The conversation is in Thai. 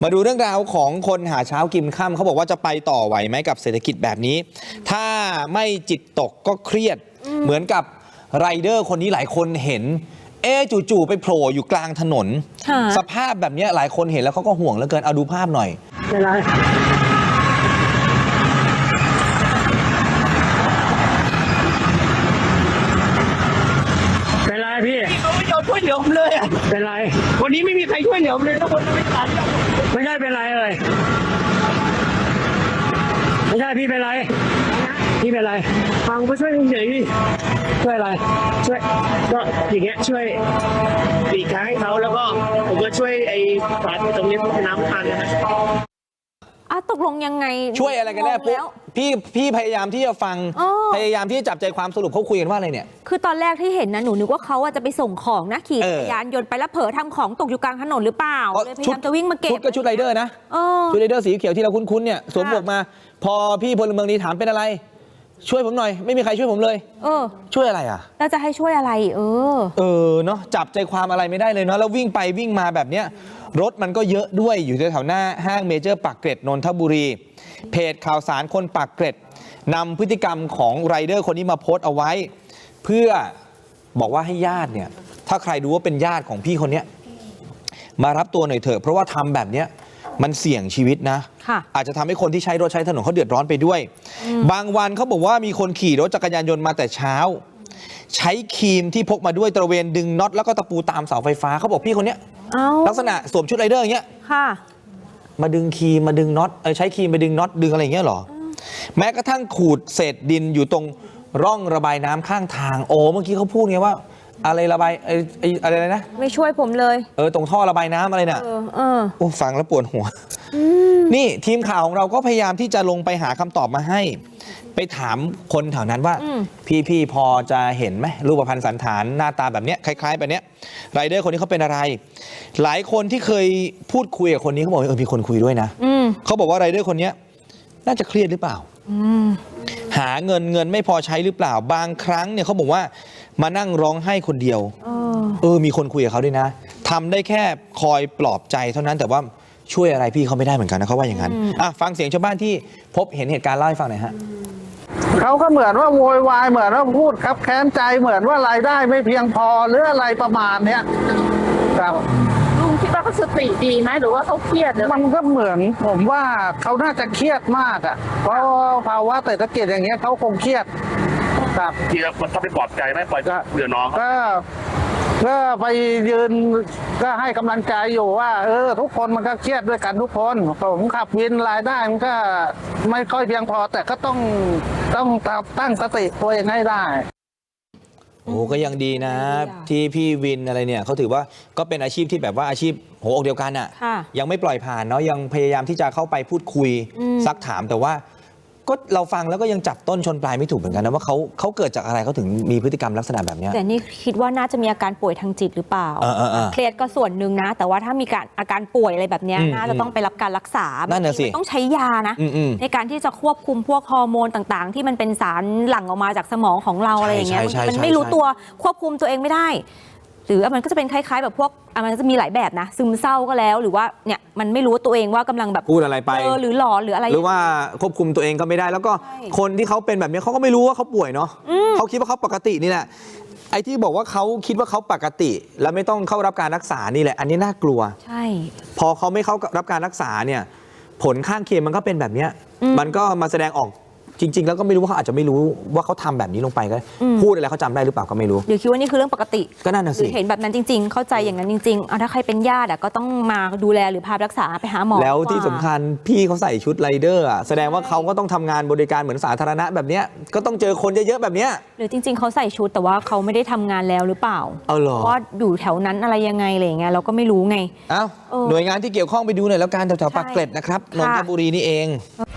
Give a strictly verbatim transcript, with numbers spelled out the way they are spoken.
มาดูเรื่องราวของคนหาเช้ากินค่ำเขาบอกว่าจะไปต่อไหวไหมกับเศรษฐกิจแบบนี้ถ้าไม่จิตตกก็เครียดเหมือนกับไรเดอร์คนนี้หลายคนเห็นเอ๊จู่ๆไปโผล่อยู่กลางถนนสภาพแบบนี้หลายคนเห็นแล้วเขาก็ห่วงเหลือเกินเอาดูภาพหน่อยเป็นไรเป็นไรพี่เขาไม่ยอมช่วยเหลือผมเลยอ่ะเป็นไรวันนี้ไม่มีใครช่วยเหลือผมเลยทุกคนไม่ทันไม่ใช่เป็นไรเลยไม่ใช่พี่เป็นไรพี่เป็นไรฟังมาช่วยเฉยๆพี่ช่วยอะไรช่วยก็อย่างเงี้ยช่วยหลีกทางให้เขาแล้วก็ผมก็ช่วยไอ้ฝาตรงนี้เป็นน้ำพันนะอ่ะตกลงยังไงช่วยอะไรกันแน่ปุ๊บพี่พี่พยายามที่จะฟังพยายามที่จะจับใจความสรุปเขาคุยกันว่าอะไรเนี่ยคือตอนแรกที่เห็นนะหนูนึกว่าเขาจะไปส่งของนะขี่จักรยานยนต์ไปแล้วเผลอทำของตกอยู่กลางถนนหรือเปล่าเลยพยายามจะวิ่งมาเก็บชุดก็ชุดไรเดอร์นะชุดไรเดอร์สีเขียวที่เราคุ้นๆเนี่ยสวมหมวกมาพอพี่พลเมืองดีถามเป็นอะไรช่วยผมหน่อยไม่มีใครช่วยผมเลยเออช่วยอะไรอ่ะแล้วจะให้ช่วยอะไรเออเออเนาะจับใจความอะไรไม่ได้เลยเนาะแล้ววิ่งไปวิ่งมาแบบเนี้ยรถมันก็เยอะด้วยอยู่แถวหน้าห้างเมเจอร์ปากเกร็ดนนทบุรีเพจข่าวสารคนปากเกร็ดนำพฤติกรรมของไรเดอร์คนนี้มาโพสต์เอาไว้เพื่อบอกว่าให้ญาติเนี่ยถ้าใครดูว่าเป็นญาติของพี่คนนี้มารับตัวหน่อยเถอะเพราะว่าทำแบบเนี้ยมันเสี่ยงชีวิตนะอาจจะทำให้คนที่ใช้รถใช้ถนนเขาเดือดร้อนไปด้วยบางวันเขาบอกว่ามีคนขี่รถจักรยานยนต์มาแต่เช้าใช้ครีมที่พกมาด้วยตระเวนดึงน็อตแล้วก็ตะปูตามเสาไฟฟ้าเขาบอกพี่คนนี้ลักษณะสวมชุดไรเดอร์อย่างเงี้ยมาดึงครีมมาดึงน็อตใช้ครีมไปดึงน็อตดึงอะไรอย่างเงี้ยหรอแม้กระทั่งขูดเศษดินอยู่ตรงร่องระบายน้ำข้างทางโอ้เมื่อกี้เขาพูดไงว่าอะไรระบายไอ้ไอ้อะไรนะไม่ช่วยผมเลยเออตรงท่อระบายน้ำอะไรเนี่ยเออโอ้ฟังแล้วปวดหัวนี่ทีมข่าวของเราก็พยายามที่จะลงไปหาคำตอบมาให้ไปถามคนแถวนั้นว่าพี่พี่พอจะเห็นไหมรูปพรรณสันฐานหน้าตาแบบเนี้ยคล้ายๆแบบเนี้ยไรเดอร์คนนี้เขาเป็นอะไรหลายคนที่เคยพูดคุยกับคนนี้เขาบอกเออมีคนคุยด้วยนะเขาบอกว่าไรเดอร์คนนี้น่าจะเครียดหรือเปล่าหาเงินเงินไม่พอใช้หรือเปล่าบางครั้งเนี่ยเขาบอกว่ามานั่งร้องไห้คนเดียวเออมีคนคุยกับเขาด้วยนะทำได้แค่คอยปลอบใจเท่านั้นแต่ว่าช่วยอะไรพี่เขาไม่ได้เหมือนกันนะเขาว่าอย่างนั้นอ่ะฟังเสียงชาวบ้านที่พบเห็นเหตุการณ์เล่าให้ฟังหน่อยฮะเขาก็เหมือนว่าโวยวายเหมือนว่าพูดครับแค้นใจเหมือนว่ารายได้ไม่เพียงพอหรืออะไรประมาณเนี้ยครับลุงคิดว่าเขาสติดีไหมหรือว่าเขาเครียดมันก็เหมือนผมว่าเขาน่าจะเครียดมากอ่ะเพราะภาวะเศรษฐกิจอย่างเงี้ยเขาคงเครียดครับทีแล้วมันต้องไปปลอบใจไหมปล่อยก็เดือดน้องก็ก็ไปยืนก็ให้กำลังใจอยู่ว่าเออทุกคนมันก็เครียดด้วยกันทุกคนผมขับวินรายได้มันก็ไม่ค่อยเพียงพอแต่ก็ต้องต้องตั้งสติตัวเองให้ได้โอ้ก็ยังดีนะที่พี่วินอะไรเนี่ยเขาถือว่าก็เป็นอาชีพที่แบบว่าอาชีพหัวอกเดียวกันอ่ะยังไม่ปล่อยผ่านเนาะยังพยายามที่จะเข้าไปพูดคุยซักถามแต่ว่าก็เราฟังแล้วก็ยังจับต้นชนปลายไม่ถูกเหมือนกันนะว่าเขาเขาเกิดจากอะไรเขาถึงมีพฤติกรรมลักษณะแบบนี้แต่นี่คิดว่าน่าจะมีอาการป่วยทางจิตหรือเปล่าเครียดก็ส่วนหนึ่งนะแต่ว่าถ้ามีการอาการป่วยอะไรแบบนี้น่าจะต้องไปรับการรักษานั่นน่ะสิต้องใช้ยานะในการที่จะควบคุมพวกฮอร์โมนต่างๆที่มันเป็นสารหลั่งออกมาจากสมองของเราอะไรอย่างเงี้ยมันไม่รู้ตัวควบคุมตัวเองไม่ได้หรือมันก็จะเป็นคล้ายๆแบบพวกมันจะมีหลายแบบนะซึมเศร้าก็แล้วหรือว่าเนี่ยมันไม่รู้ตัวเองว่ากำลังแบบพูดอะไรไปหรือหลอนหรืออะไรหรือว่าควบคุมตัวเองก็ไม่ได้แล้วก็คนที่เขาเป็นแบบนี้เขาก็ไม่รู้ว่าเขาป่วยเนาะเขาคิดว่าเขาปกตินี่แหละไอ้ที่บอกว่าเขาคิดว่าเขาปกติแล้วไม่ต้องเข้ารับการรักษานี่แหละอันนี้น่ากลัวใช่พอเขาไม่เข้ารับการรักษาเนี่ยผลข้างเคียงมันก็เป็นแบบนี้มันก็มาแสดงออกจริงๆแล้วก็ไม่รู้ว่าเขาอาจจะไม่รู้ว่าเขาทำแบบนี้ลงไปก็พูดอะไรเขาจำได้หรือเปล่าก็ไม่รู้หรือคิดว่านี่คือเรื่องปกติก็นั่นน่ะสิเห็นแบบนั้นจริงๆเข้าใจอย่างนั้นจริงๆเอาถ้าใครเป็นญาติก็ต้องมาดูแลหรือพารักษาไปหาหมอแล้วที่สำคัญพี่เขาใส่ชุดไรเดอร์แสดงว่าเขาก็ต้องทำงานบริการเหมือนสาธารณะแบบนี้ก็ต้องเจอคนเยอะๆแบบนี้หรือจริงๆเขาใส่ชุดแต่ว่าเขาไม่ได้ทำงานแล้วหรือเปล่าเอาหรอว่าอยู่แถวนั้นอะไรยังไงอะไรอย่างเงี้ยเราก็ไม่รู้ไงอ้าวหน่วยงานที่เกี่ยวข้องไปดูหน่อยแล้วกันแถวๆปากเกร็ดนะครับนนทบุรีนี่เอง